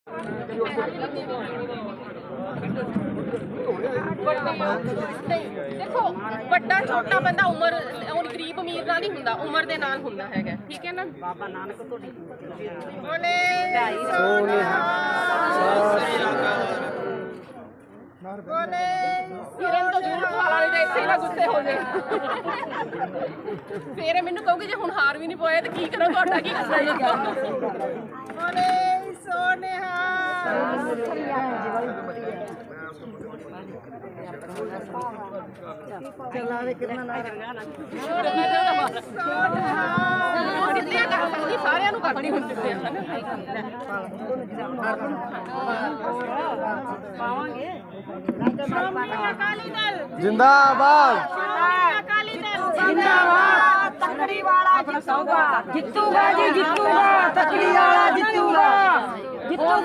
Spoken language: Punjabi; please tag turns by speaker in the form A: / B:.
A: देखो ਵੱਡਾ ਛੋਟਾ ਬੰਦਾ ਉਮਰ ਹੁਣ ਗਰੀਬ ਅਮੀਰ ਨਾਲ ਨਹੀਂ ਹੁੰਦਾ, ਉਮਰ ਦੇ ਨਾਲ ਹੁੰਦਾ ਹੈਗਾ, ਠੀਕ ਹੈ ਨਾ। ਬਾਬਾ ਨਾਨਕ ਤੁਹਾਡੀ ਬੋਲੇ ਬੋਲੇ ਕਿਰਨ ਤੋਂ ਜ਼ਰੂਰ ਖਵਾ ਲਾਂਗੇ ਤੇ ਇੱਥੇ ਨਾ ਗੁੱਸੇ ਹੋ ਜਾਏ। ਫੇਰ ਮੈਨੂੰ ਕਹੋਗੇ ਜੇ ਹੁਣ ਹਾਰ ਵੀ ਨਹੀਂ ਪਾਇਆ ਤੇ ਕੀ ਕਰਾਂ, ਤੁਹਾਡਾ ਕੀ ਕਰਨਾ। ਬੋਲੇ ਸੋਨਿਹਾ ਚਲਾ ਦੇ ਕਿੰਨਾ ਨਾ ਸਾਰਿਆਂ ਨੂੰ ਕਰਨੀ ਹੁੰਦੀ ਹੈ ਪਾਵਾਂਗੇ। ਅਕਾਲੀ ਦਲ
B: ਜਿੰਦਾਬਾਦ,
A: ਅਕਾਲੀ ਦਲ ਜਿੰਦਾਬਾਦ। ਤਕੜੀ ਵਾਲਾ ਜਿੱਤੂਗਾ,
C: ਜਿੱਤੂਗਾ ਜੀ ਜਿੱਤੂਗਾ, ਤਕੜੀ ਵਾਲਾ ਜਿੱਤੂਗਾ।